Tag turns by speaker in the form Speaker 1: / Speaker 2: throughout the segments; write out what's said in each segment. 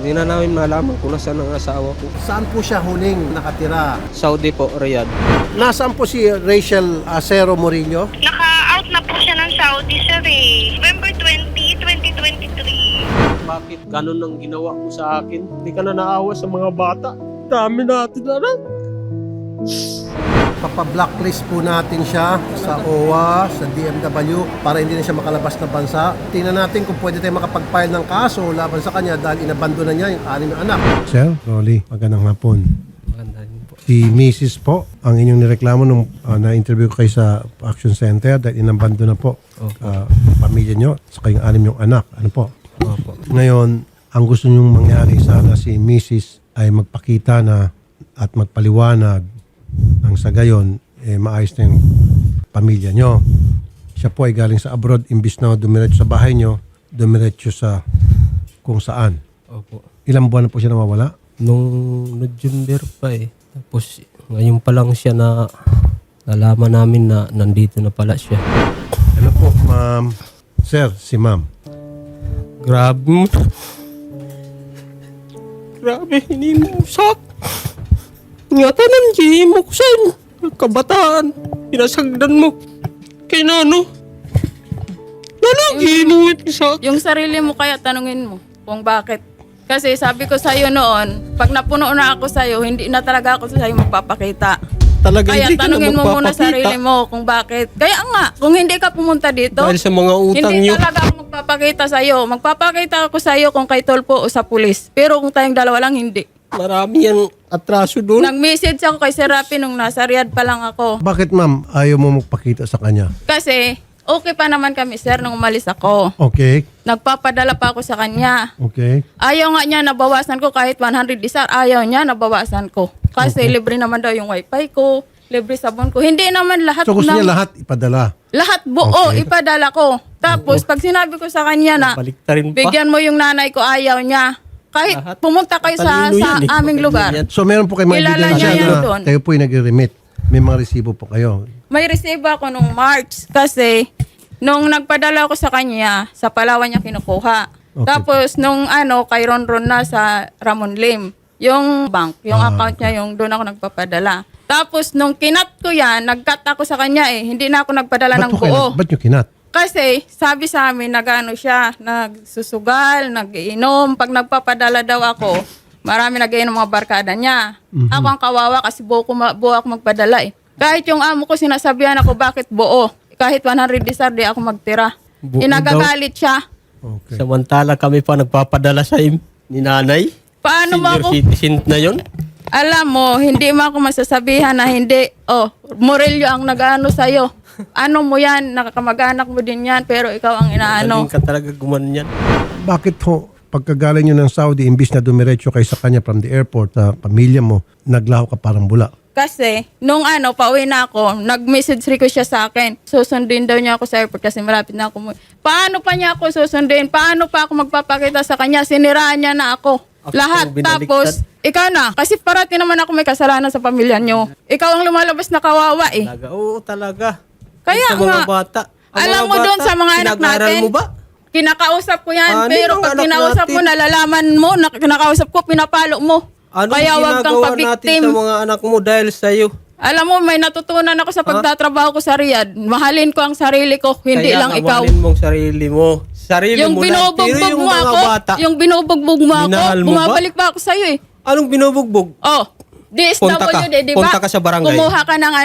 Speaker 1: Hindi na namin malaman kung nasaan ang asawa ko.
Speaker 2: Saan po siya huling nakatira?
Speaker 1: Saudi po, Riyadh.
Speaker 2: Nasaan po si Rachel Acero Murillo?
Speaker 3: Naka-out na po siya ng Saudi, sir eh. November 20, 2023.
Speaker 1: Bakit ganun ang ginawa mo sa akin? Hindi ka na naawa sa mga bata. Dami natin na rin.
Speaker 2: Papa-blacklist po natin siya sa OWA, sa DMW para hindi na siya makalabas ng bansa. Tingnan natin kung pwede tayo makapag-file ng kaso laban sa kanya dahil inabando na niya yung 6 na anak. Sir, Rolly, magandang hapon.
Speaker 1: Maganda din po.
Speaker 2: Si Mrs. po, ang inyong nireklamo nung na-interview ko kayo sa Action Center dahil inabando na po pamilya nyo sa kayong 6 yung anak. Ano po?
Speaker 1: Opo.
Speaker 2: Ngayon, ang gusto nyong mangyari sana si Mrs. ay magpakita na at magpaliwanag ang sa gayon, maayos na yung pamilya nyo. Siya po ay galing sa abroad, imbis na dumiretso sa bahay nyo, dumiretso sa kung saan.
Speaker 1: Opo.
Speaker 2: Ilang buwan na po siya nawawala?
Speaker 1: Nung November pa eh. Tapos ngayon pa lang siya na nalaman namin na nandito na pala siya.
Speaker 2: Hello po, ma'am. Sir, si ma'am.
Speaker 1: Grabe mo. Grabe, hindi mo sak. Ingatan ng GM mo ko sa'yo. Kabataan. Pinasagdan mo. Kay Nano. Nano, ginuwit sa
Speaker 4: Yung sarili mo kaya tanungin mo kung bakit. Kasi sabi ko sa'yo noon, pag napuno na ako sa'yo, hindi na talaga ako sa'yo magpapakita.
Speaker 1: talaga.
Speaker 4: Kaya
Speaker 1: Hindi ka na
Speaker 4: tanungin mo muna
Speaker 1: magpapakita.
Speaker 4: sarili mo kung bakit. Kaya nga, kung hindi ka pumunta dito,
Speaker 1: Dahil sa mga utang
Speaker 4: hindi
Speaker 1: nyo.
Speaker 4: talaga ako magpapakita sa'yo. Magpapakita ako sa'yo kung kay Tolpo o sa pulis. Pero kung tayong dalawa lang, hindi.
Speaker 1: Marami yan atraso doon.
Speaker 4: Nag-message ako kay Sir Rafi nung nasa Riyadh pa lang ako.
Speaker 2: Bakit ma'am ayaw mo magpakita sa kanya?
Speaker 4: Kasi okay pa naman kami, sir, nung umalis ako.
Speaker 2: Okay,
Speaker 4: Nagpapadala pa ako sa kanya.
Speaker 2: okay.
Speaker 4: Ayaw nga niya nabawasan ko kahit 100 disar. Ayaw niya nabawasan ko. Kasi libre naman daw yung wifi ko, libre sabon ko. Hindi naman lahat
Speaker 2: So gusto niya lahat ipadala?
Speaker 4: lahat buo
Speaker 2: Okay.
Speaker 4: ipadala ko. Tapos pag sinabi ko sa kanya na
Speaker 1: Baliktarin pa.
Speaker 4: bigyan mo yung nanay ko, ayaw niya. Kahit
Speaker 1: Lahat.
Speaker 4: pumunta kayo sa
Speaker 1: Matalino yan eh.
Speaker 4: aming lugar.
Speaker 1: Matalino yan.
Speaker 2: So meron po kayo mga
Speaker 4: Kilala
Speaker 2: ebidensya
Speaker 4: niya yan
Speaker 2: na
Speaker 4: doon.
Speaker 2: kayo po yung nag-remit. May mga resibo po kayo.
Speaker 4: May resibo ako nung March kasi nung nagpadala ako sa kanya, sa Palawan niya kinukuha.
Speaker 2: Okay.
Speaker 4: Tapos nung kay Ronron na sa Ramon Lim, yung bank, yung account niya, yung doon ako nagpapadala. Tapos nung kinat ko yan, nag-cut ako sa kanya eh. Hindi na ako nagpadala ng buo.
Speaker 2: Ba't nyo kinat?
Speaker 4: Kasi sabi sa amin, nag-ano siya, nagsusugal, nag-iinom. Pag nagpapadala daw ako, marami nag-iinom mga barkada niya. Ako ang kawawa kasi buo ako magpadala eh. Kahit yung amo ko sinasabihan ako, bakit buo? Kahit 100 disar, di ako magtira.
Speaker 1: Buo
Speaker 4: Inagagalit siya.
Speaker 2: Okay.
Speaker 1: Samantala kami pa nagpapadala sa ni nanay.
Speaker 4: Paano mo
Speaker 1: Senior
Speaker 4: ako?
Speaker 1: citizen na yon.
Speaker 4: Alam mo, hindi mo ako masasabihan na hindi. Oh, Morello ang nag-ano sa'yo. Ano mo yan? Nakakamag-anak mo din yan, pero ikaw ang inaano.
Speaker 1: Galing ka talaga gumanyan.
Speaker 2: Bakit ho, pagkagaling nyo ng Saudi, imbis na dumiretso kayo sa kanya from the airport sa pamilya mo, naglaho ka parang bula?
Speaker 4: Kasi, nung pauwi na ako, nag-message request siya sa akin. Susundin daw niya ako sa airport kasi malapit na ako. Paano pa niya ako susundin? Paano pa ako magpapakita sa kanya? Siniraan niya na ako.
Speaker 1: Ako
Speaker 4: Lahat.
Speaker 1: ang binaliktad.
Speaker 4: Tapos, ikaw na. Kasi parati naman ako may kasalanan sa pamilya niyo. Ikaw ang lumalabas na kawawa eh.
Speaker 1: Talaga, oo talaga.
Speaker 4: Kaya
Speaker 1: Sa mga
Speaker 4: nga.
Speaker 1: bata. Ang
Speaker 4: Alam
Speaker 1: mga
Speaker 4: mo doon
Speaker 1: bata,
Speaker 4: sa mga anak
Speaker 1: pinag-aaral
Speaker 4: natin?
Speaker 1: mo ba?
Speaker 4: Kinakausap ko yan.
Speaker 1: Ano
Speaker 4: Pero
Speaker 1: yung
Speaker 4: pag
Speaker 1: anak
Speaker 4: kinausap mo,
Speaker 1: natin?
Speaker 4: nalalaman mo, kinakausap ko, pinapalo mo.
Speaker 1: Ano
Speaker 4: Kaya wag kang
Speaker 1: ginagawa natin
Speaker 4: pabiktim.
Speaker 1: sa mga anak mo dahil sa'yo?
Speaker 4: Alam mo, may natutunan ako sa pagtatrabaho ko sa Riyadh. Mahalin ko ang sarili ko, hindi
Speaker 1: Kaya
Speaker 4: lang ikaw.
Speaker 1: kawanin mong sarili mo. Sarili
Speaker 4: Yung
Speaker 1: mo lang. Pero
Speaker 4: binubugbog
Speaker 1: yung
Speaker 4: mo
Speaker 1: mga
Speaker 4: ako,
Speaker 1: bata,
Speaker 4: yung binubugbog mo ako,
Speaker 1: minahal mo ba?
Speaker 4: bumabalik pa ako sa'yo eh.
Speaker 1: anong binubugbog?
Speaker 4: Oh, DSWD, di ba?
Speaker 1: Punta ka sa barangay.
Speaker 4: Gumawa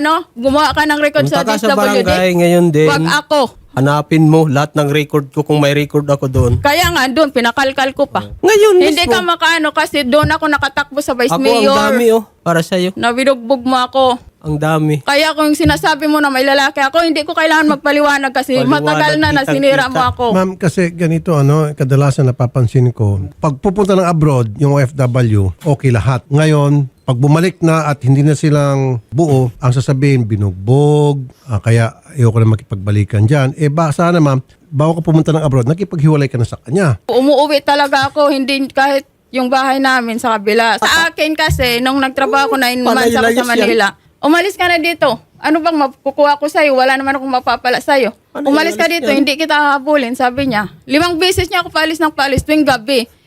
Speaker 4: ka ng record
Speaker 1: Punta
Speaker 4: sa
Speaker 1: ka sa
Speaker 4: DSWD.
Speaker 1: barangay ngayon din.
Speaker 4: Wag ako.
Speaker 1: Hanapin mo lahat ng record ko kung may record ako doon.
Speaker 4: Kaya nga, doon, pinakalkal ko pa.
Speaker 1: Ngayon
Speaker 4: Hindi
Speaker 1: mismo.
Speaker 4: ka makaano kasi doon ako nakatakbo sa Vice
Speaker 1: Ako
Speaker 4: Mayor.
Speaker 1: ang dami para sa'yo.
Speaker 4: Nabinugbog mo ako.
Speaker 1: Ang dami.
Speaker 4: Kaya kung sinasabi mo na may lalaki ako, hindi ko kailangan magpaliwanag kasi
Speaker 1: Paliwanag,
Speaker 4: matagal na nasinira
Speaker 1: kitang-kita.
Speaker 4: mo ako.
Speaker 2: Ma'am, kasi ganito, kadalasan napapansin ko, pag pupunta ng abroad, yung OFW, okay lahat. Ngayon, pag bumalik na at hindi na silang buo, ang sasabihin, binugbog, kaya ayoko na makipagbalikan dyan. Sana ma'am, bago ka pumunta ng abroad, nakipaghiwalay ka na sa kanya.
Speaker 4: Umuwi talaga ako, hindi kahit yung bahay namin sa kabila. Sa akin kasi, nung nagtrabaho ko 9 months ako sa
Speaker 1: Panay-layas
Speaker 4: Manila, umalis ka na dito. Ano bang makukuha ko sa'yo? Wala naman akong mapapala sa'yo.
Speaker 1: Ano
Speaker 4: Umalis ka
Speaker 1: yan?
Speaker 4: dito, hindi kita hahabulin, sabi niya. 5 beses niya ako paalis ng paalis tuwing gabi.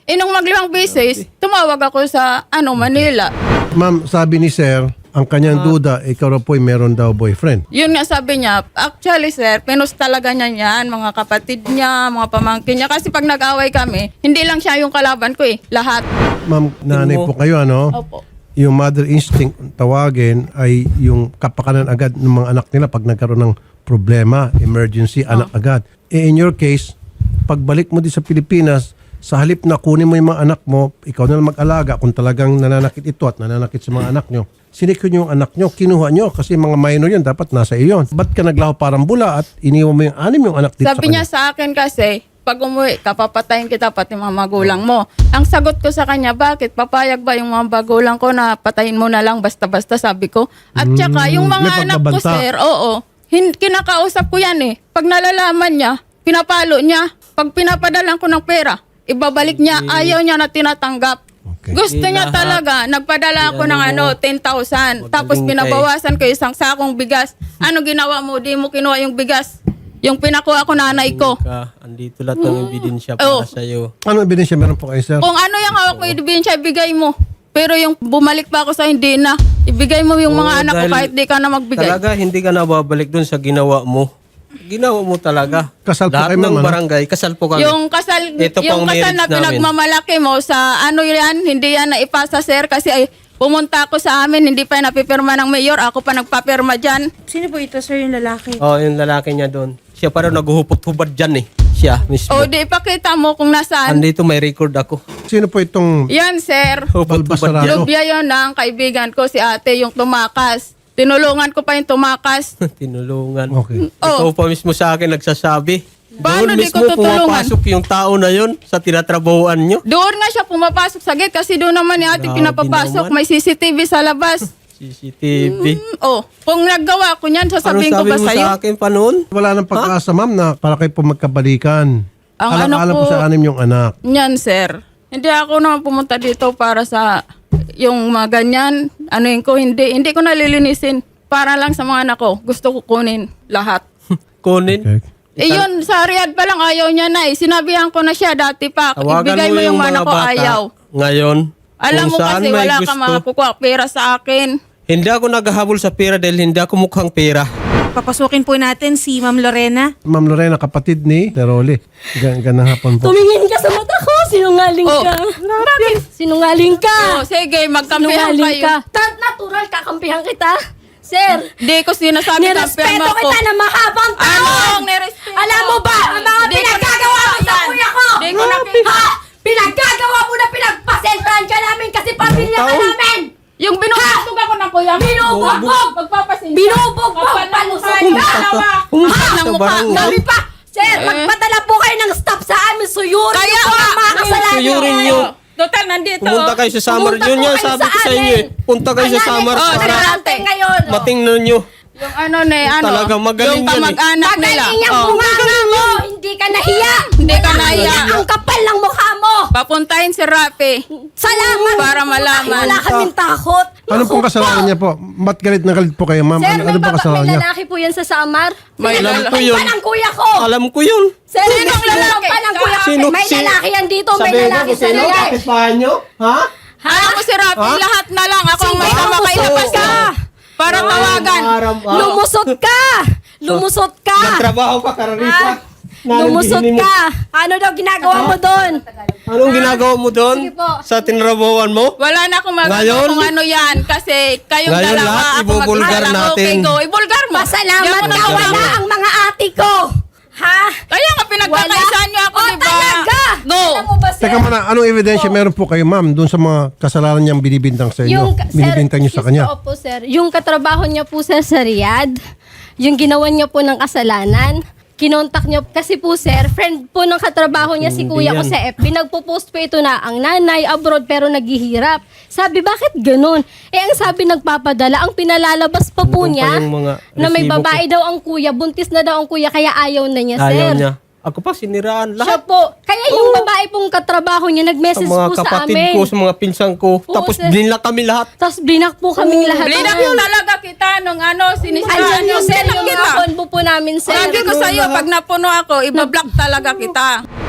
Speaker 4: Nung maglimang beses, tumawag ako sa Manila.
Speaker 2: Ma'am, sabi ni sir, ang kanyang duda, ikaw raw po'y meron daw boyfriend.
Speaker 4: Yun nga sabi niya, actually sir, pinus talaga niya yan, mga kapatid niya, mga pamangkin niya. Kasi pag nag-away kami, hindi lang siya yung kalaban ko lahat.
Speaker 2: Ma'am, nanay po kayo, ano?
Speaker 4: Opo.
Speaker 2: Yung mother instinct, tawagin, ay yung kapakanan agad ng mga anak nila pag nagkaroon ng problema, emergency, anak agad. In your case, pagbalik mo din sa Pilipinas, sa halip na kunin mo yung mga anak mo, ikaw na lang mag-alaga kung talagang nananakit ito at nananakit sa mga anak nyo. Sinikyo nyo yung anak nyo, kinuha nyo kasi mga minor yun, dapat nasa iyo. Ba't ka naglaho parang bula at iniwan mo yung anim yung anak dito
Speaker 4: Sabi niya sa akin kasi, pag umuwi, kapapatayin kita pati mga magulang mo. Ang sagot ko sa kanya, bakit? Papayag ba yung mga magulang ko na patayin mo na lang basta-basta, sabi ko. At saka, yung
Speaker 2: may
Speaker 4: mga anak ko,
Speaker 2: pagbabanta.
Speaker 4: sir, oo. Kinakausap ko yan eh. Pag nalalaman niya, pinapalo niya. Pag pinapadalan ko ng pera, ibabalik niya, ayaw niya na tinatanggap.
Speaker 2: Okay.
Speaker 4: Gusto niya talaga, nagpadala ako ng 10,000. Tapos pinabawasan ko isang sakong bigas. Ano ginawa mo? Di mo kinuha yung bigas. Yung pinakuha ko nanay ko.
Speaker 1: Andito lahat ng ebidensya
Speaker 4: Oh.
Speaker 1: para sa'yo.
Speaker 2: Ano ebidensya meron po kayo, sir?
Speaker 4: Kung ano yung hawak mo, ibigay ibigay mo. Pero yung bumalik pa ako sa hindi na, ibigay mo yung mga
Speaker 1: Oo,
Speaker 4: anak ko
Speaker 1: dahil
Speaker 4: kahit di ka na magbigay.
Speaker 1: Talaga, hindi ka nababalik dun sa ginawa mo. Ginawa mo talaga.
Speaker 2: Kasal po
Speaker 1: Lahat
Speaker 2: kayo,
Speaker 1: ng
Speaker 2: ma'am, ano?
Speaker 1: barangay, kasal po kami.
Speaker 4: Yung kasal,
Speaker 1: Ito
Speaker 4: yung
Speaker 1: pang
Speaker 4: kasal na
Speaker 1: marriage namin.
Speaker 4: pinagmamalaki mo sa yan, hindi yan na ipasa sir kasi pumunta ako sa amin, hindi pa napipirma ng mayor, ako pa nagpapirma dyan.
Speaker 5: Sino po ito, sir, yung lalaki?
Speaker 1: Oh, yung lalaki niya doon. Siya pa rin naguhupot-hubad dyan eh. Siya mismo.
Speaker 4: O di ipakita mo kung nasaan.
Speaker 1: Andito may record ako.
Speaker 2: Sino po itong
Speaker 4: Yan sir.
Speaker 1: Hupot-hubad
Speaker 2: Balbasarado?
Speaker 1: dyan.
Speaker 4: Lubya yon ng kaibigan ko, si ate, yung tumakas. Tinulungan ko pa yung tumakas.
Speaker 1: Tinulungan.
Speaker 2: Okay.
Speaker 1: Ikaw pa mismo sa akin nagsasabi.
Speaker 4: Paano
Speaker 1: Doon
Speaker 4: di ko
Speaker 1: mismo
Speaker 4: tutulungan?
Speaker 1: pumapasok yung tao na yun sa tinatrabahuan nyo.
Speaker 4: Doon nga siya pumapasok sa gate kasi doon naman ni ate
Speaker 1: Grabe
Speaker 4: pinapapasok.
Speaker 1: naman.
Speaker 4: May CCTV sa labas.
Speaker 1: CCTV.
Speaker 4: Kung naggawa ko niyan,
Speaker 1: Anong
Speaker 4: sasabihin ko
Speaker 1: sabi
Speaker 4: ba
Speaker 1: mo
Speaker 4: sa'yo?
Speaker 1: sa akin pa noon?
Speaker 2: Wala nang pag-asa, ma'am, na para kayo po magkabalikan.
Speaker 4: Ang
Speaker 2: Alam-alam
Speaker 4: ano
Speaker 2: po
Speaker 4: po-
Speaker 2: sa anim yung anak.
Speaker 4: Yan, sir. Hindi ako naman pumunta dito para sa yung mga ganyan. Ano yun ko, hindi ko nalilinisin. Para lang sa mga anak ko. Gusto ko kunin lahat.
Speaker 1: Kunin.
Speaker 2: Okay.
Speaker 4: Yun, sa Riyadh pa lang ayaw niya na eh. Sinabihan ko na siya dati pa.
Speaker 1: Tawagan
Speaker 4: Ibigay mo yung mga anak ko,
Speaker 1: bata
Speaker 4: ayaw.
Speaker 1: ngayon.
Speaker 4: Alam
Speaker 1: kung
Speaker 4: mo
Speaker 1: saan
Speaker 4: kasi
Speaker 1: may
Speaker 4: wala
Speaker 1: gusto.
Speaker 4: ka makakukuha pera sa akin.
Speaker 1: Hindi ako naghahabol sa pera dahil hindi ako mukhang pera.
Speaker 5: Papasukin po natin si Ma'am Lorena.
Speaker 2: Ma'am Lorena, kapatid ni Teroli. Gandang hapon po.
Speaker 6: Tumingin ka sa mata ko, sinungaling
Speaker 4: Oh.
Speaker 6: ka. Bakit? Sinungaling ka.
Speaker 4: Oh, sige, magkampihan
Speaker 6: Sinungaling
Speaker 4: kayo.
Speaker 6: ka. Natural, kakampihan kita. Sir,
Speaker 4: Di ko sinasabi na
Speaker 6: nirespeto
Speaker 4: pirma ko.
Speaker 6: kita na mahabang taon.
Speaker 4: Anong nirespeto?
Speaker 6: Alam mo ba, ang mga
Speaker 4: Di ko
Speaker 6: pinaggagawa mo sa
Speaker 4: nakita
Speaker 6: kuya ko?
Speaker 4: yan. Di ko nakita.
Speaker 6: Ha? Pinaggagawa mo na pinagpasensyahan ka namin kasi pamilya ka namin.
Speaker 4: Yung binubog ako ng kuya.
Speaker 6: Binubugbog!
Speaker 4: Magpapasensya.
Speaker 6: Binubugbog! Palusay ka!
Speaker 1: Pumunta
Speaker 4: ng
Speaker 1: sa
Speaker 4: mukha.
Speaker 1: barangay.
Speaker 6: Dami pa! Sir, magpadala po kayo ng staff sa amin. Suyurin
Speaker 4: Kaya
Speaker 6: ko
Speaker 4: nga,
Speaker 6: ang mga kasalanan.
Speaker 1: suyurin nyo.
Speaker 4: Total, nandito.
Speaker 1: Pumunta kayo sa Samar.
Speaker 6: Pumunta
Speaker 1: Yun
Speaker 6: po
Speaker 1: yan,
Speaker 6: kayo
Speaker 1: sabi
Speaker 6: sa
Speaker 1: ko sa inyo eh.
Speaker 6: amin.
Speaker 1: Punta kayo sa Samar
Speaker 4: Oh,
Speaker 1: para
Speaker 6: Natin ngayon.
Speaker 1: matingnan nyo.
Speaker 4: Yung ano,
Speaker 1: Talagang magaling
Speaker 4: yung
Speaker 1: yan eh.
Speaker 4: kamag-anak nila.
Speaker 6: Magaling yung
Speaker 4: Oh.
Speaker 6: bunganga mo! Hindi ka nahiya!
Speaker 4: Hindi ka nahiya.
Speaker 6: Ang kapal ng mukha mo!
Speaker 4: Papuntahin si Rafi.
Speaker 6: Salamat!
Speaker 4: Para malaman.
Speaker 6: Wala kaming takot!
Speaker 2: Ano pong kasalanan niya po? Ba't galit na galit po kayo, ma'am?
Speaker 6: Sir,
Speaker 2: Ano ba kasalanan
Speaker 6: may
Speaker 2: niya?
Speaker 6: lalaki po yan sa Samar.
Speaker 4: May
Speaker 1: Alam
Speaker 4: lalaki.
Speaker 1: ko yun.
Speaker 6: Pa ng kuya ko!
Speaker 1: Alam ko yun.
Speaker 6: Sir,
Speaker 4: Sinong
Speaker 6: may
Speaker 4: lalaki?
Speaker 6: pa ng kuya ko.
Speaker 1: Sino?
Speaker 6: May lalaki yan dito, may
Speaker 1: Sabihin
Speaker 6: lalaki
Speaker 1: ko
Speaker 6: sa
Speaker 1: sino?
Speaker 6: lalaki.
Speaker 1: Kapitbahay nyo? Ha?
Speaker 4: Alam mo si Rafi, lahat na lang. Ako ang may
Speaker 6: Sige,
Speaker 4: sama kay
Speaker 6: lumusot
Speaker 4: labas
Speaker 6: ka.
Speaker 4: para tawagan.
Speaker 6: Lumusot ka! Lumusot ka!
Speaker 1: Nagtrabaho ka, Kararisa.
Speaker 6: Lumusot ka! Ano daw ginagawa mo doon?
Speaker 1: Anong ginagawa mo doon?
Speaker 6: Sige po.
Speaker 1: Sa tinrabawan mo?
Speaker 4: Wala na akong magagawa
Speaker 1: Ngayon?
Speaker 4: kung ano yan. Kasi kayong
Speaker 1: Ngayon
Speaker 4: dalawa,
Speaker 1: lahat,
Speaker 4: ako
Speaker 1: ibubulgar
Speaker 4: mag-isa lang.
Speaker 1: natin.
Speaker 4: Okay, go. Ibulgar mo.
Speaker 6: Pasalamat
Speaker 4: Di ako
Speaker 6: ka,
Speaker 4: nagsasabi.
Speaker 6: wala ang mga ate ko! Ha?
Speaker 4: Kaya nga pinagkakaisahan niyo ako,
Speaker 6: O,
Speaker 4: di ba?
Speaker 6: talaga!
Speaker 4: Go.
Speaker 6: Alam mo ba, sir?
Speaker 2: Teka muna, anong ebidensya meron po kayo, ma'am, doon sa mga kasalanan niyang binibintang sa inyo? Binibintang niyo sa kanya?
Speaker 6: Opo, sir. Yung katrabaho niya po sir sa Riyadh, yung ginawa niya po ng kasalanan, kinontak niya, kasi po sir, friend po ng katrabaho niya si
Speaker 1: Hindi
Speaker 6: kuya ko
Speaker 1: yan.
Speaker 6: sa FB, nagpo-post po ito na ang nanay abroad pero naghihirap. Sabi, bakit ganun? Ang sabi nagpapadala, ang pinalalabas pa po
Speaker 1: Nandun pa
Speaker 6: niya
Speaker 1: yung mga
Speaker 6: na may
Speaker 1: resibo ko.
Speaker 6: babae daw ang kuya, buntis na daw ang kuya, kaya ayaw na niya, sir.
Speaker 1: Ayaw niya. Ako pa, siniraan
Speaker 6: Siya
Speaker 1: lahat.
Speaker 6: po. Kaya yung babae pong katrabaho niya,
Speaker 1: Sa
Speaker 6: nag-message
Speaker 1: mga
Speaker 6: po sa
Speaker 1: kapatid
Speaker 6: amin.
Speaker 1: ko, sa mga pinsan ko.
Speaker 6: Oo,
Speaker 1: Tapos
Speaker 6: sir.
Speaker 1: binla kami lahat.
Speaker 6: Tapos blinak po kaming lahat.
Speaker 4: Blinak yung talaga kita nung sinisiraan
Speaker 6: Andyan
Speaker 4: yung
Speaker 6: yung sir,
Speaker 4: blinak
Speaker 6: yung
Speaker 4: kita.
Speaker 6: konbo po namin, sir.
Speaker 4: Sabi ko sa'yo, pag napuno ako, ibablock talaga kita.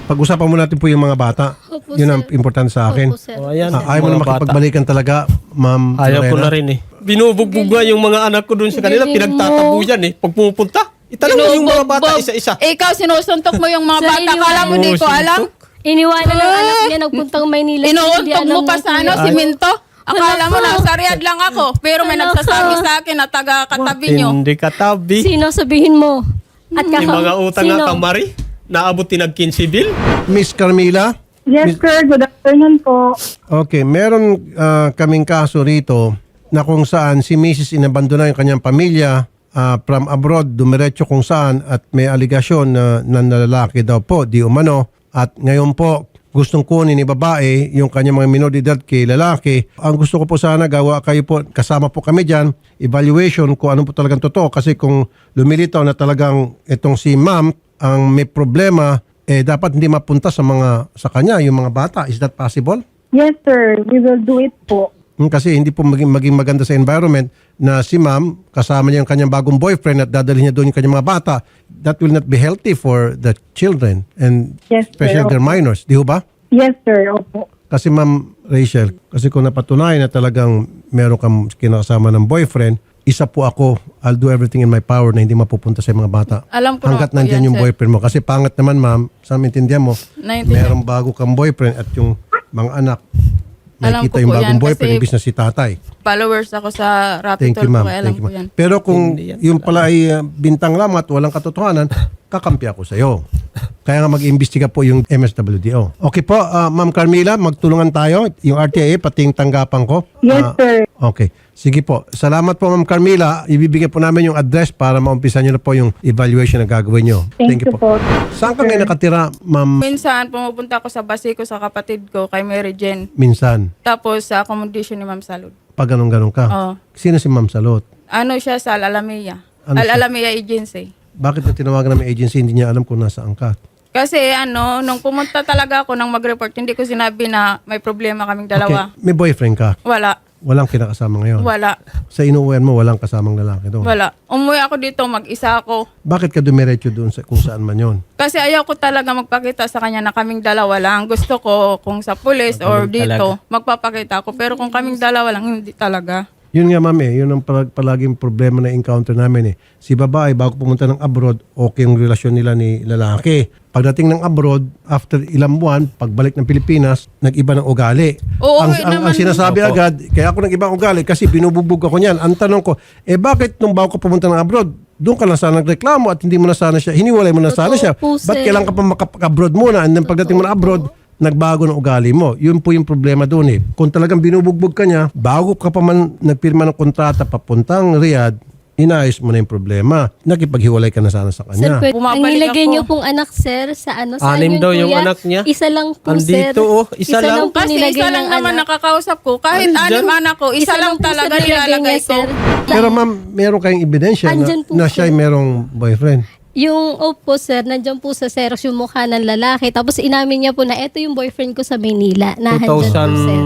Speaker 2: Pag-usapan mo natin po yung mga bata.
Speaker 6: Opo,
Speaker 2: Yun ang
Speaker 6: sir.
Speaker 2: importante sa akin.
Speaker 6: Opo, sir.
Speaker 1: O, ayan.
Speaker 2: Ayaw mo na
Speaker 1: mga bata.
Speaker 2: makipagbalikan talaga, Ma'am
Speaker 1: Ayaw ko
Speaker 2: Lorena?
Speaker 1: na rin eh. Binubugbog nga yung mga anak ko doon sa kanila.
Speaker 6: Galing
Speaker 1: Pinagtatabu yan eh. Pag pumupunta, itanong mo yung mga bata
Speaker 4: Binubugbog.
Speaker 1: isa-isa.
Speaker 4: Ikaw, sinusuntok mo yung mga
Speaker 6: Sarili
Speaker 4: bata. Kala mo di ko alam?
Speaker 6: Iniwanan ng anak niya, nagpuntang Maynila. Hindi
Speaker 4: Inuuntog
Speaker 6: alam
Speaker 4: mo pa
Speaker 6: ng
Speaker 4: sa ano,
Speaker 6: kuya.
Speaker 4: siminto? Akala mo
Speaker 6: Wala
Speaker 4: nasa Riyadh lang ako. Pero may
Speaker 6: Wala
Speaker 4: nagsasabi
Speaker 6: ka.
Speaker 4: sa akin na taga-katabi nyo.
Speaker 1: Hindi katabi.
Speaker 6: Sino sabihin mo? At
Speaker 1: Yung mga utang nga kamari, naabot tinag 15 bil.
Speaker 2: Miss Carmila?
Speaker 7: Yes, sir. Good afternoon po.
Speaker 2: Okay, meron kaming kaso rito na kung saan si Mrs. inabandona yung kanyang pamilya from abroad, dumiretso kung saan at may aligasyon na lalaki daw po, di umano. At ngayon po, gustong kunin ni babae yung kanyang mga minor de edad kay lalaki. Ang gusto ko po sana gawa kayo po, kasama po kami dyan, evaluation kung ano po talagang totoo. Kasi kung lumilitaw na talagang itong si ma'am ang may problema, dapat hindi mapunta sa kanya yung mga bata. Is that possible?
Speaker 7: Yes, sir. We will do it po.
Speaker 2: Kasi hindi po maging maganda sa environment na si ma'am kasama niya yung kanyang bagong boyfriend at dadalhin niya doon yung kanyang mga bata. That will not be healthy for the children and
Speaker 7: Yes, sir.
Speaker 2: especially their minors. Di ho ba?
Speaker 7: Yes, sir. Opo.
Speaker 2: Kasi ma'am Rachel, kasi kung napatunayan na talagang meron kang kinakasama ng boyfriend, isa po ako, I'll do everything in my power na hindi mapupunta sa mga bata.
Speaker 4: Alam ko
Speaker 2: Hanggat
Speaker 4: naman po
Speaker 2: nandyan
Speaker 4: yan,
Speaker 2: yung
Speaker 4: sir.
Speaker 2: boyfriend mo. Kasi pangat naman ma'am, sa maintindihan mo,
Speaker 4: Naintindihan.
Speaker 2: merong bago kang boyfriend at yung mga anak,
Speaker 4: Alam
Speaker 2: nakikita
Speaker 4: ko
Speaker 2: yung
Speaker 4: po
Speaker 2: bagong
Speaker 4: yan
Speaker 2: boyfriend,
Speaker 4: kasi
Speaker 2: ibig na si tatay.
Speaker 4: followers ako sa
Speaker 2: Thank
Speaker 4: Rapid
Speaker 2: you, ma'am.
Speaker 4: Alam
Speaker 2: Thank you,
Speaker 4: ko
Speaker 2: ma'am.
Speaker 4: yan.
Speaker 2: Pero kung
Speaker 1: Hindi yan
Speaker 2: yung pala ay bintang lamang at walang katotohanan, kakampi ako sa iyo. Kaya nga mag-iimbestiga po yung MSWDO. Okay po, Ma'am Carmila, magtulungan tayo. Yung RTIA, pati yung tanggapan ko.
Speaker 7: Yes, sir.
Speaker 2: Okay. Sige po. Salamat po, Ma'am Carmila. Ibibigay po namin yung address para maumpisan nyo na po yung evaluation na gagawin nyo.
Speaker 7: Thank you po.
Speaker 2: Saan ka ngayon nakatira, Ma'am?
Speaker 4: Minsan, pumupunta ako sa Basico sa kapatid ko, kay Mary Jane.
Speaker 2: Minsan.
Speaker 4: Tapos sa accommodation ni Ma'am Salud.
Speaker 2: Pag ganun-ganun ka.
Speaker 4: Oo.
Speaker 2: Sino si Ma'am Salot?
Speaker 4: Ano siya sa Al-Alamea?
Speaker 2: Ano siya?
Speaker 4: Al-Alamea Agency.
Speaker 2: Bakit na tinawagan namin agency, hindi niya alam kung nasaan ka?
Speaker 4: Kasi nung pumunta talaga ako nang mag-report, hindi ko sinabi na may problema kaming dalawa.
Speaker 2: Okay. May boyfriend ka?
Speaker 4: Wala.
Speaker 2: Walang kinakasama ngayon?
Speaker 4: Wala.
Speaker 2: Sa inuuwian mo, walang kasamang lalaki doon?
Speaker 4: Wala. Umuwi ako dito, mag-isa ako.
Speaker 2: Bakit ka dumiretso doon sa kung saan man yon?
Speaker 4: Kasi ayaw ko talaga magpakita sa kanya na kaming dalawa lang. Gusto ko kung sa police or dito, magpapakita ako. Pero kung kaming dalawa lang, hindi talaga.
Speaker 2: Yun nga ma'am yun ang palaging problema na encounter namin Si babae, bago pumunta ng abroad, okay yung relasyon nila ni lalaki. Pagdating ng abroad, after ilang buwan, pagbalik ng Pilipinas, nag-iba ng ugali.
Speaker 4: Oo,
Speaker 2: ang
Speaker 4: naman.
Speaker 2: sinasabi agad, kaya ako nag-ibang ugali kasi binubugbog ako niyan. Ang tanong ko, bakit nung bago ka pumunta ng abroad, doon ka na sana nagreklamo at hindi mo na sana siya, hiniwalay mo na sana
Speaker 6: Totoo
Speaker 2: siya.
Speaker 6: po,
Speaker 2: Ba't
Speaker 6: sir.
Speaker 2: kailangan ka pa makapag-abroad muna and then pagdating mo na abroad, nagbago ng ugali mo. Yun po yung problema doon Kung talagang binubugbog ka niya, bago ka pa man nagpirma ng kontrata papuntang Riyadh, inaayos mo na yung problema. Nakipaghiwalay ka na sana sa
Speaker 6: Sir,
Speaker 2: kanya.
Speaker 6: pwede, ang
Speaker 4: Bumabalik
Speaker 6: nilagay
Speaker 4: ako.
Speaker 6: niyo pong anak, sir, sa ano? Saan
Speaker 1: Anim
Speaker 6: yun,
Speaker 1: daw yung
Speaker 6: kuya?
Speaker 1: anak niya.
Speaker 6: Isa lang po, sir.
Speaker 1: Andito, oh. Isa lang.
Speaker 6: po
Speaker 4: Kasi
Speaker 6: nilagay
Speaker 4: isa lang
Speaker 6: ng
Speaker 4: naman
Speaker 6: anak.
Speaker 4: nakakausap ko. Kahit
Speaker 1: Andyan.
Speaker 4: anim anak ko, isa lang
Speaker 6: po,
Speaker 4: talaga
Speaker 6: sir, nilagay
Speaker 4: nilalagay
Speaker 6: niya,
Speaker 4: ko.
Speaker 6: sir.
Speaker 2: Pero ma'am, meron kayong ebidensya
Speaker 6: Andyan po,
Speaker 2: na siya ay
Speaker 6: sir.
Speaker 2: merong boyfriend.
Speaker 6: Yung opo, sir, nandiyan po sa Xerox yung mukha ng lalaki. Tapos inamin niya po na eto yung boyfriend ko sa Maynila. Na andyan po, sir.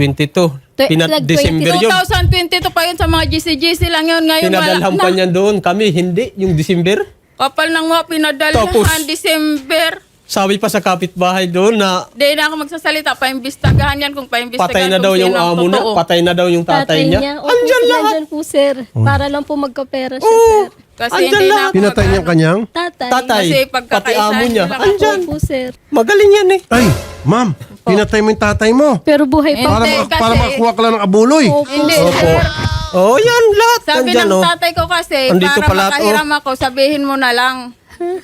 Speaker 1: 2022. December yun.
Speaker 4: 2022 pa yun sa mga GC lang yun. Ngayon
Speaker 1: Pinadalhan pa niyan doon. Kami, hindi. Yung December.
Speaker 4: Kapal ng mga pinadalhan
Speaker 1: Tapos,
Speaker 4: December.
Speaker 1: Sabi pa sa kapitbahay doon na
Speaker 4: Di na ako magsasalita. Paimbistagahan yan kung paimbistagahan.
Speaker 1: patay na
Speaker 4: kung
Speaker 1: daw yung
Speaker 4: sino ang
Speaker 1: amo na.
Speaker 4: totoo.
Speaker 1: Patay na daw yung tatay niya.
Speaker 6: Opo,
Speaker 1: Andyan
Speaker 6: sir,
Speaker 1: lahat.
Speaker 6: nandyan po, sir. Para lang po magkapera siya,
Speaker 1: Oo.
Speaker 6: sir.
Speaker 4: Kasi
Speaker 1: Andyan
Speaker 4: hindi
Speaker 1: lang.
Speaker 4: na ako
Speaker 2: Pinatay niya ang kanyang?
Speaker 6: Tatay.
Speaker 1: Tatay.
Speaker 4: Kasi
Speaker 1: Pati
Speaker 4: pagkakaisa
Speaker 1: amo niya.
Speaker 4: nila.
Speaker 1: Andyan.
Speaker 6: Opo, sir.
Speaker 1: Magaling yan
Speaker 2: Ay, ma'am, pinatay mo yung tatay mo.
Speaker 6: Pero buhay pa.
Speaker 2: Para,
Speaker 4: Hindi,
Speaker 2: para
Speaker 4: kasi-
Speaker 2: makakuha ka lang ng abuloy.
Speaker 4: Hindi,
Speaker 1: Opo.
Speaker 4: sir.
Speaker 1: Oh, yan lahat.
Speaker 4: Sabi
Speaker 1: Nandyan,
Speaker 4: ng
Speaker 1: oh.
Speaker 4: tatay ko kasi,
Speaker 1: Andito
Speaker 4: para
Speaker 1: pala,
Speaker 4: makahiram ako, sabihin mo na lang.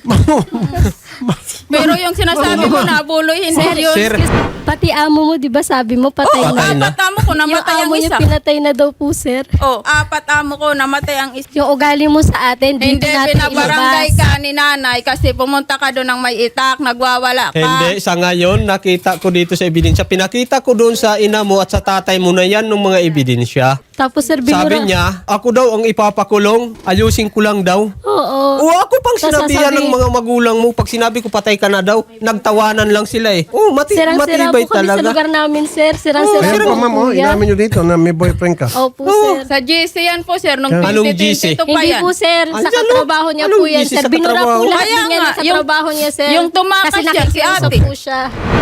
Speaker 4: Pero yung sinasabi mo na abuloy, hindi yun.
Speaker 1: Sir.
Speaker 6: Pati amo mo, di ba sabi mo, patay
Speaker 4: Oo,
Speaker 6: na.
Speaker 4: apat amo ko,
Speaker 6: Yung
Speaker 4: namatay ang
Speaker 6: amo niya,
Speaker 4: isa.
Speaker 6: pinatay na daw po, sir.
Speaker 4: Oh, apat amo ko, namatay ang isa.
Speaker 6: Yung ugali mo sa atin, dito
Speaker 4: Hindi,
Speaker 6: natin
Speaker 4: pinabarangay
Speaker 6: ilabas.
Speaker 4: ka ni nanay kasi pumunta ka doon ng may itak, nagwawala ka.
Speaker 1: Hindi, sa ngayon, nakita ko dito sa ebidensya. Pinakita ko doon sa ina mo at sa tatay mo na yan ng mga ebidensya.
Speaker 6: Tapos, sir,
Speaker 1: Sabi niya, ako daw ang ipapakulong, ayusin ko lang daw.
Speaker 6: Oo.
Speaker 1: O ako pang
Speaker 6: Tas
Speaker 1: sinabihan ng
Speaker 6: sasabihin-
Speaker 1: mga magulang mo pag sinabi sinabi ko patay ka na daw. Nagtawanan lang sila eh. Oh,
Speaker 6: Sirang-sira
Speaker 1: matibay
Speaker 6: po kami sa
Speaker 1: talaga.
Speaker 6: lugar namin, sir. Sirang-sira
Speaker 2: Ayan
Speaker 6: po,
Speaker 2: pa ma'am, oh,
Speaker 6: kuya.
Speaker 2: inamin nyo dito na may boyfriend ka.
Speaker 6: Opo,
Speaker 1: Oh.
Speaker 6: sir.
Speaker 4: Sa GC yan po, sir. Nung
Speaker 1: Anong
Speaker 4: 2022 pa
Speaker 6: Hindi
Speaker 4: yan.
Speaker 6: po, sir. Sa
Speaker 1: Andyan,
Speaker 6: katrabaho niya
Speaker 1: anong
Speaker 6: po yan,
Speaker 1: busy
Speaker 6: sir.
Speaker 1: sa
Speaker 6: Binura
Speaker 1: katrabaho?
Speaker 6: po lahat
Speaker 4: Kaya
Speaker 6: din yan
Speaker 4: nga,
Speaker 6: sa trabaho niya, sir.
Speaker 4: yung tumakas
Speaker 6: Kasi
Speaker 4: yan, si
Speaker 6: nakikiusap
Speaker 4: ate.
Speaker 6: po siya.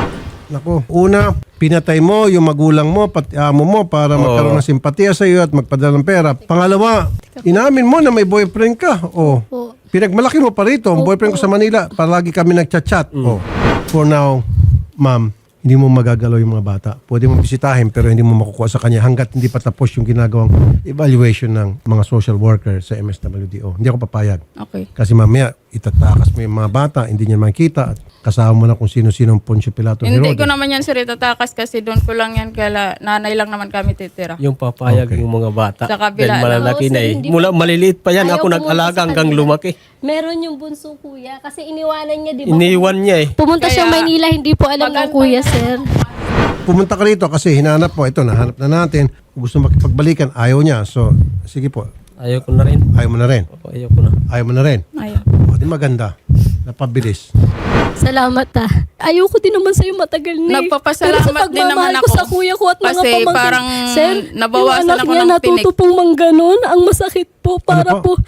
Speaker 2: Naku, una, pinatay mo yung magulang mo, pati amo mo para magkaroon ng simpatiya sa iyo at magpadala ng pera. Pangalawa, inamin mo na may boyfriend ka. Oh.
Speaker 6: Opo.
Speaker 2: Pinagmalaki mo pa rito. Ang boyfriend ko sa Manila, palagi kami nagchat-chat. Oh. For now, ma'am, hindi mo magagalaw yung mga bata. Pwede mo bisitahin pero hindi mo makukuha sa kanya hanggat hindi pa tapos yung ginagawang evaluation ng mga social worker sa MSWDO. Hindi ako papayag.
Speaker 4: Okay.
Speaker 2: Kasi mamaya, itatakas mo yung mga bata, hindi niya makita at kasama mo na kung sino-sino ang Poncio Pilato
Speaker 4: Hindi
Speaker 2: Herodes.
Speaker 4: ko naman yan, sir, itatakas kasi doon ko lang yan. Kaya nanay lang naman kami titira.
Speaker 1: Yung papayag
Speaker 2: Okay.
Speaker 1: yung mga bata.
Speaker 4: Sa kabila
Speaker 1: Dahil malalaki
Speaker 6: lang.
Speaker 1: na
Speaker 6: Oo,
Speaker 1: eh.
Speaker 6: sir, hindi
Speaker 1: Mula maliliit pa yan.
Speaker 6: Ayaw
Speaker 1: Ako
Speaker 6: pumunta
Speaker 1: nag-alaga
Speaker 6: sa
Speaker 1: hanggang
Speaker 6: kanila.
Speaker 1: lumaki.
Speaker 6: Meron yung bunso, kuya. Kasi iniwanan niya, di ba?
Speaker 1: Iniwan niya eh.
Speaker 6: Pumunta siya
Speaker 4: Kaya-
Speaker 6: Maynila, hindi po alam ng kuya, sir.
Speaker 2: Pumunta ka rito kasi hinanap mo. Ito, nahanap na natin. Kung gusto makipagbalikan, ayaw niya. So, sige po.
Speaker 1: Ayaw ko na rin.
Speaker 2: Ayaw mo na rin.
Speaker 1: Opo, ayaw ko na.
Speaker 2: Ayaw mo na rin.
Speaker 4: Ayun.
Speaker 2: O, di maganda. Napabilis.
Speaker 6: Salamat Ayoko din naman sa'yo matagal na eh.
Speaker 4: Nagpapasalamat
Speaker 6: Pero sa
Speaker 4: din naman
Speaker 6: pagmamahal ko
Speaker 4: ako.
Speaker 6: sa kuya ko at mga
Speaker 4: Kasi
Speaker 6: pamangkin.
Speaker 4: parang
Speaker 6: Sir,
Speaker 4: nabawasan
Speaker 6: yung anak
Speaker 4: ako
Speaker 6: niya
Speaker 4: ng
Speaker 6: natuto
Speaker 4: tinik.
Speaker 6: pong mangganon. Ang masakit po para
Speaker 2: Ano po?
Speaker 6: po.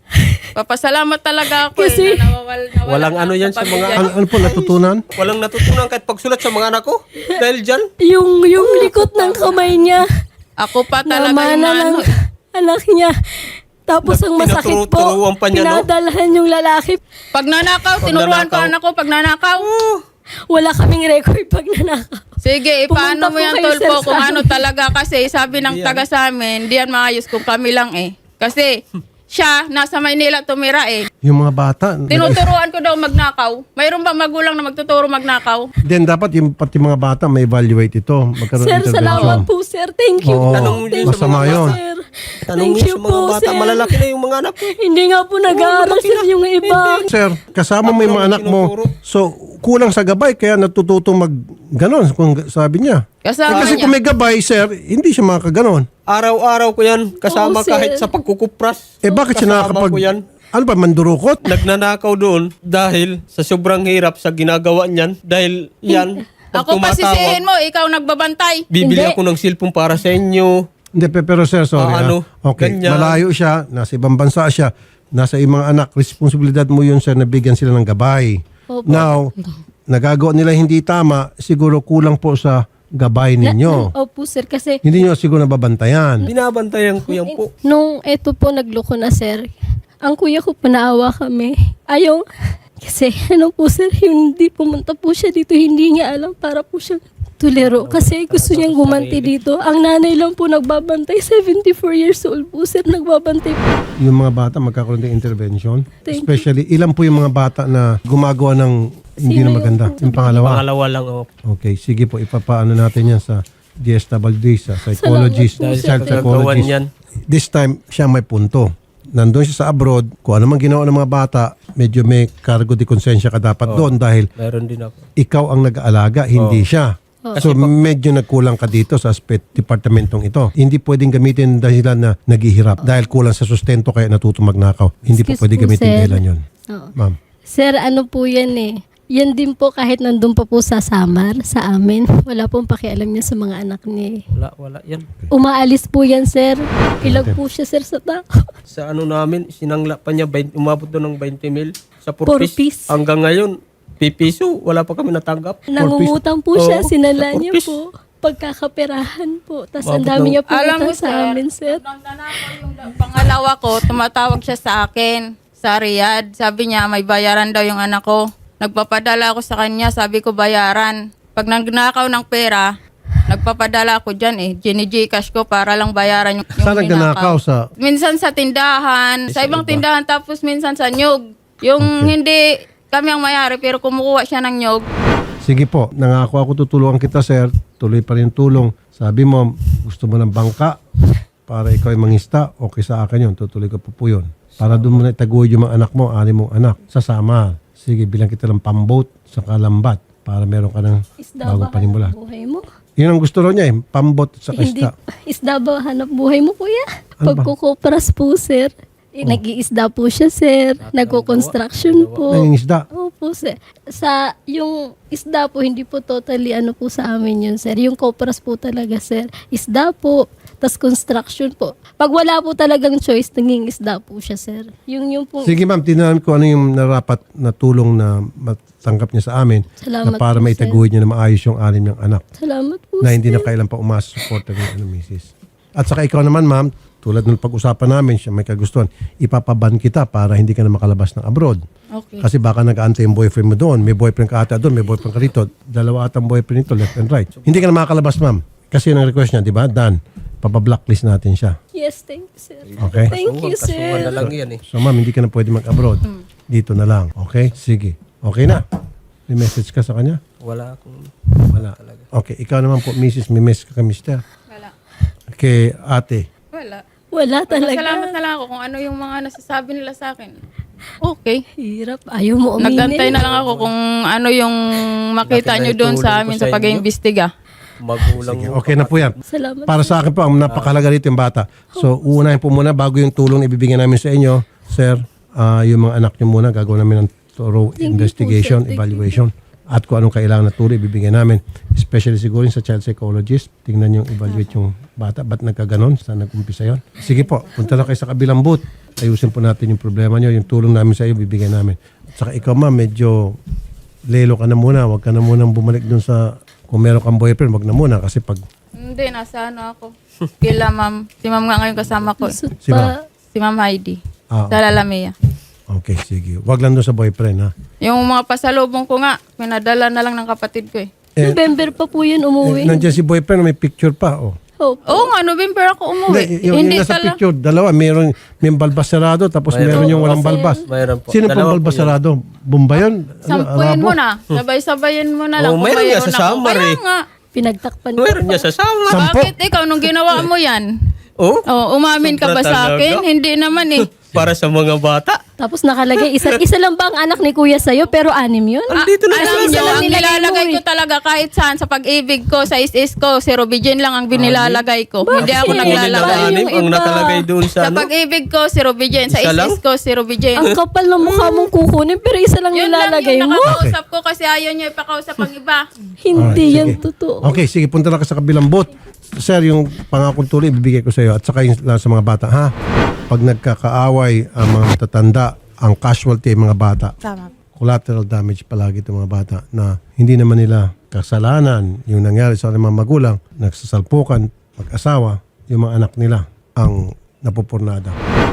Speaker 4: Papasalamat talaga ako
Speaker 6: Kasi-
Speaker 4: eh. Na nawala
Speaker 1: Walang
Speaker 4: na
Speaker 1: ano
Speaker 4: ako
Speaker 1: yan
Speaker 4: sa
Speaker 1: sa mga-
Speaker 4: pamilya.
Speaker 2: Ano po natutunan?
Speaker 1: Walang natutunan kahit pagsulat sa mga anak ko. Dahil dyan.
Speaker 6: Yung likot ng kamay niya.
Speaker 4: Ako pa talaga yung
Speaker 6: Namana ng
Speaker 4: ano.
Speaker 6: anak niya. Tapos ang masakit po,
Speaker 1: Tinuturo-turuan pa niya, no?
Speaker 6: pinadalhan yung lalaki.
Speaker 4: Pag nanakaw, tinuruan ko
Speaker 1: nanakaw.
Speaker 4: anak ko pag nanakaw.
Speaker 6: Wala kaming record pag nanakaw.
Speaker 4: Sige,
Speaker 6: Pumunta
Speaker 4: ipaano mo
Speaker 6: po
Speaker 4: yan,
Speaker 6: kayo,
Speaker 4: Tolpo,
Speaker 6: sir,
Speaker 4: kung
Speaker 6: sa
Speaker 4: ano
Speaker 6: amin.
Speaker 4: talaga kasi sabi ng taga sa amin, hindi yan maayos kung kami lang eh. Kasi siya, nasa Maynila tumira eh.
Speaker 2: Yung mga bata.
Speaker 4: Tinuturuan ko daw magnakaw. Mayroon ba magulang na magtuturo magnakaw?
Speaker 2: Then dapat yung pati mga bata may evaluate ito. Magkaroon
Speaker 6: Sir,
Speaker 2: ng
Speaker 6: salamat
Speaker 2: intervention.
Speaker 6: po, sir. Thank you.
Speaker 2: Oo,
Speaker 1: Tanong yun sa
Speaker 2: masama
Speaker 1: mga
Speaker 2: yun.
Speaker 6: Sir.
Speaker 1: Tanong
Speaker 6: Thank
Speaker 1: niyo
Speaker 6: you
Speaker 1: sa mga
Speaker 6: po,
Speaker 1: bata.
Speaker 6: sir.
Speaker 1: Malalaki na yung mga anak ko.
Speaker 6: Hindi nga po nag-aaral sir yung iba.
Speaker 2: Sir, kasama mo yung mga anak mo. So, kulang sa gabay kaya natututong mag ganon kung sabi niya.
Speaker 4: Kasama
Speaker 2: Kasi
Speaker 4: niya.
Speaker 2: kung may gabay, sir, hindi siya makakaganon.
Speaker 1: Araw-araw ko yan. Kasama
Speaker 6: Oo, sir.
Speaker 1: kahit sa pagkukupras.
Speaker 2: Bakit siya
Speaker 1: Kasama
Speaker 2: nakakapag...
Speaker 1: ko yan.
Speaker 2: Ano ba, mandurukot?
Speaker 1: Nagnanakaw doon dahil sa sobrang hirap sa ginagawa niyan. Dahil yan, pag
Speaker 4: Ako pasisihin mo, ikaw nagbabantay.
Speaker 1: bibili
Speaker 6: Hindi.
Speaker 1: ako ng cellphone para sa inyo.
Speaker 2: Hindi, pero sir, sorry.
Speaker 1: Ano,
Speaker 2: Okay,
Speaker 1: ganyan.
Speaker 2: malayo siya, nasa ibang bansa siya, nasa ibang anak, responsibilidad mo yun, sir, na bigyan sila ng gabay.
Speaker 6: Opo.
Speaker 2: Now, nagagawa nila hindi tama, siguro kulang po sa gabay ninyo.
Speaker 6: Opo sir, kasi
Speaker 2: Hindi nyo siguro nababantayan.
Speaker 1: Binabantayan ko yan po.
Speaker 6: nung eto po nagloko na sir, ang kuya ko panaawa kami. Ayaw, kasi ano po sir, yung hindi pumunta po siya dito, hindi niya alam para po siya tulero. Kasi gusto niyang gumanti dito. Ang nanay lang po nagbabantay, 74 years old po sir, nagbabantay po.
Speaker 2: Yung mga bata magkakaroon ng intervention.
Speaker 6: Thank you.
Speaker 2: Especially, ilan po yung mga bata na gumagawa ng hindi
Speaker 6: Sino
Speaker 2: na maganda? Yung pangalawa.
Speaker 1: Pangalawa lang ako.
Speaker 2: Okay, sige po, ipapaano natin yan sa DSWD, sa psychologist,
Speaker 6: Salamat po,
Speaker 2: child
Speaker 6: sir.
Speaker 1: Gagawan
Speaker 2: psychologist.
Speaker 1: yan.
Speaker 2: This time, siya may punto. Nandun siya sa abroad, kung ano man ginawa ng mga bata, medyo may cargo de konsensya ka dapat doon dahil
Speaker 1: Meron din ako.
Speaker 2: ikaw ang nag-aalaga, hindi siya. So medyo nagkulang ka dito sa aspect departamentong ito. Hindi pwedeng gamitin dahilan na naghihirap dahil kulang sa sustento kaya natuto magnakaw. Hindi po
Speaker 6: Excuse
Speaker 2: pwede
Speaker 6: po,
Speaker 2: gamitin
Speaker 6: sir.
Speaker 2: dahilan yun.
Speaker 6: Oo.
Speaker 2: Ma'am.
Speaker 6: Sir, ano po yan eh. Yan din po kahit nandun pa po sa Samar, sa amin. Wala pong pakialam niya sa mga anak niya.
Speaker 1: Wala yan.
Speaker 6: Umaalis po yan, sir. Ilag po siya, sir, sa tao.
Speaker 1: Sa ano namin, sinangla pa niya, umabot doon ng 20 mil. Sa
Speaker 6: For
Speaker 1: Purpis.
Speaker 6: piece.
Speaker 1: Hanggang ngayon, pipiso, wala pa kami natanggap.
Speaker 6: Nangungutang po siya,
Speaker 1: Oo,
Speaker 6: sinala
Speaker 1: sa
Speaker 6: niya
Speaker 1: purpose.
Speaker 6: po. Pagkakaperahan po. Tapos ang
Speaker 1: Mabot
Speaker 6: dami
Speaker 1: ng-
Speaker 6: niya po
Speaker 4: Alam mo,
Speaker 6: utang sa
Speaker 4: sir,
Speaker 6: amin, sir.
Speaker 4: nang nanakaw yung pangalawa ko, tumatawag siya sa akin sa Riyadh. Sabi niya, may bayaran daw yung anak ko. Nagpapadala ako sa kanya, sabi ko bayaran. Pag nagnakaw ng pera, nagpapadala ako dyan eh. Gcash ko para lang bayaran yung
Speaker 2: Saan nagnanakaw? Sa
Speaker 4: Minsan sa tindahan, sa ibang tindahan, tapos minsan sa nyog. Yung hindi kami ang mayari, pero kumukuha siya ng nyog.
Speaker 2: Sige po, nangako ako tutulungan kita, sir. Tuloy pa rin tulong. Sabi mo, gusto mo ng bangka para ikaw ay mangista, okay sa akin yun. Tutuloy ko po yun. Para doon mo na itaguyod yung mga anak mo, ani mong anak, sa Samar. Sige, bilang kita ng pamboat sa Kalambat para meron ka ng
Speaker 6: Isda
Speaker 2: bagong
Speaker 6: ba
Speaker 2: panimula.
Speaker 6: hanap buhay mo?
Speaker 2: Yun ang gusto raw niya eh, pambot sa
Speaker 6: Hindi,
Speaker 2: isda.
Speaker 6: isda ba hanap buhay mo, kuya?
Speaker 2: Ano ba?
Speaker 6: Pagkukupras po, sir. Nag-iisda po siya, sir. Nagko-construction po.
Speaker 2: Nangingisda.
Speaker 6: Opo, sir. Sa yung isda po, hindi po totally ano po sa amin yun, sir. Yung kopras po talaga, sir. Isda po, tas construction po. Pag wala po talagang choice, naging isda po siya, sir. Yung po.
Speaker 2: Sige ma'am, tinanan ko ano yung narapat na tulong na matanggap niya sa amin
Speaker 6: Salamat
Speaker 2: na para
Speaker 6: po,
Speaker 2: maitaguhin niya na maayos yung anim niyang anak
Speaker 6: Salamat po,
Speaker 2: na hindi
Speaker 6: sir.
Speaker 2: na kailan pa umasa-support ng misis. At saka ikaw naman ma'am, tulad ng pag-usapan namin, siya may kagustuhan, ipapaban kita para hindi ka na makalabas ng abroad.
Speaker 4: Okay.
Speaker 2: Kasi baka nag-aantay yung boyfriend mo doon, may boyfriend ka ata doon, may boyfriend ka rito, dalawa atang boyfriend nito, left and right. Hindi ka na makakalabas ma'am. Kasi yung request niya, di ba? Dan, papablocklist natin siya.
Speaker 6: Yes, thank you, sir.
Speaker 2: Okay?
Speaker 6: Thank you,
Speaker 1: Kasuhan na
Speaker 6: sir.
Speaker 1: lang yan eh.
Speaker 2: So ma'am, hindi ka na pwede mag-abroad. Dito na lang. Okay? Sige. Okay na. May message ka sa kanya?
Speaker 1: Wala akong...
Speaker 2: Wala. Okay. Ikaw naman po, Mrs. May message ka kay Mr.
Speaker 4: Wala.
Speaker 2: Kay ate.
Speaker 4: Wala.
Speaker 6: Wala talaga.
Speaker 4: Salamat na lang ako kung ano yung mga nasasabi nila sa akin. Okay.
Speaker 6: Hirap. Ayaw mo uminin.
Speaker 4: Nagantay na lang ako kung ano yung makita
Speaker 1: Laki na
Speaker 4: nyo doon
Speaker 1: itulong
Speaker 4: sa
Speaker 1: ko
Speaker 4: amin
Speaker 1: sa
Speaker 4: sa
Speaker 1: inyo.
Speaker 4: pag-iimbestiga.
Speaker 1: Magulang
Speaker 2: Sige, okay na po yan.
Speaker 6: Salamat.
Speaker 2: Para sa akin po, ang napakahalaga rito yung bata. So, uunahin po muna bago yung tulong na ibibigyan namin sa inyo, sir, yung mga anak nyo muna, gagawin namin ng thorough
Speaker 6: Thank you po,
Speaker 2: investigation,
Speaker 6: sir. Thank
Speaker 2: evaluation, at kung anong kailangan na tulong ibibigyan namin. Especially siguro yung sa child psychologist, tingnan yung evaluate yung bata. Ba't nagkaganon? Saan nag-umpisa yun? Sige po, punta na kayo sa kabilang booth. Ayusin po natin yung problema nyo. Yung tulong namin sa iyo, bibigyan namin. At saka ikaw ma'am, medyo lelo ka na muna. Huwag ka na munang bumalik dun sa, kung meron kang boyfriend, wag na muna. Kasi pag,
Speaker 4: Hindi, nasa ano ako. Kila ma'am. Si ma'am nga ngayon kasama ko.
Speaker 6: Gusto
Speaker 2: Si
Speaker 6: pa.
Speaker 4: Si ma'am Heidi.
Speaker 2: Ah.
Speaker 4: Sa Lalamea.
Speaker 2: okay, sige. Wag lang dun sa boyfriend, ha?
Speaker 4: Yung mga pasalubong ko nga, pinadala na lang ng kapatid ko eh.
Speaker 6: November pa po yun umuwi.
Speaker 2: Nandiyan si boyfriend, may picture pa, oh.
Speaker 6: Opo.
Speaker 4: Oo nga, November ako umuwi.
Speaker 2: Yung nasa picture, dalawa, may balbas sarado, tapos meron yung walang balbas.
Speaker 1: Mayroon po.
Speaker 2: Sino pong
Speaker 1: Dalawa po
Speaker 2: balbas
Speaker 1: yun.
Speaker 2: sarado? Bomba yun?
Speaker 4: Sampuin mo na. Sabay-sabayin mo na lang.
Speaker 1: Oo,
Speaker 4: kung
Speaker 1: mayroon niya sa
Speaker 4: mayroon ako.
Speaker 1: summer
Speaker 4: Kaya
Speaker 1: eh.
Speaker 4: nga.
Speaker 6: Pinagtakpan ko.
Speaker 1: Meron niya sa sama.
Speaker 2: Sampo?
Speaker 4: Bakit ikaw nung ginawa mo yan?
Speaker 1: Oh,
Speaker 4: Oh, umamin ka ba
Speaker 1: Sobra
Speaker 4: sa akin?
Speaker 1: talaga.
Speaker 4: Hindi naman eh.
Speaker 1: para sa mga bata.
Speaker 6: Tapos nakalagay, isa lang ba ang anak ni kuya sa'yo? Pero 6 yun?
Speaker 1: Andito na
Speaker 4: Alam
Speaker 1: sila.
Speaker 4: nyo,
Speaker 6: lang
Speaker 4: ang
Speaker 6: nilagay
Speaker 4: nilalagay
Speaker 6: mo
Speaker 4: ko talaga kahit saan sa pag-ibig ko, sa is ko, si Robijin lang ang binilalagay ko. Hindi ako
Speaker 6: Kasi
Speaker 4: naglalagay.
Speaker 6: yung
Speaker 1: Ang
Speaker 6: iba.
Speaker 1: nakalagay doon
Speaker 4: Sa
Speaker 1: sa ano.
Speaker 4: pag-ibig ko, si Robijin. Sa
Speaker 1: Isa lang?
Speaker 4: is ko, si Robijin.
Speaker 6: Ang kapal ng mukha mong kukunin, pero isa lang
Speaker 4: Yun lang
Speaker 6: nilalagay
Speaker 4: yung
Speaker 6: mo.
Speaker 4: nakakausap ko kasi ayaw nyo ipakausap ang iba.
Speaker 6: Hindi
Speaker 2: Alright,
Speaker 6: yan
Speaker 2: sige.
Speaker 6: totoo.
Speaker 2: Okay, sige, punta na ka sa kabilang booth. Sir, yung pangakong tuloy, ibibigay ko sa iyo. At saka yung sa mga bata, ha? Pag nagkakaaway ang mga matatanda, ang casualty ay mga bata.
Speaker 5: Tama.
Speaker 2: Collateral damage palagi itong mga bata na hindi naman nila kasalanan yung nangyari sa mga magulang, nagsasalpukan, mag-asawa, yung mga anak nila ang napupurnada.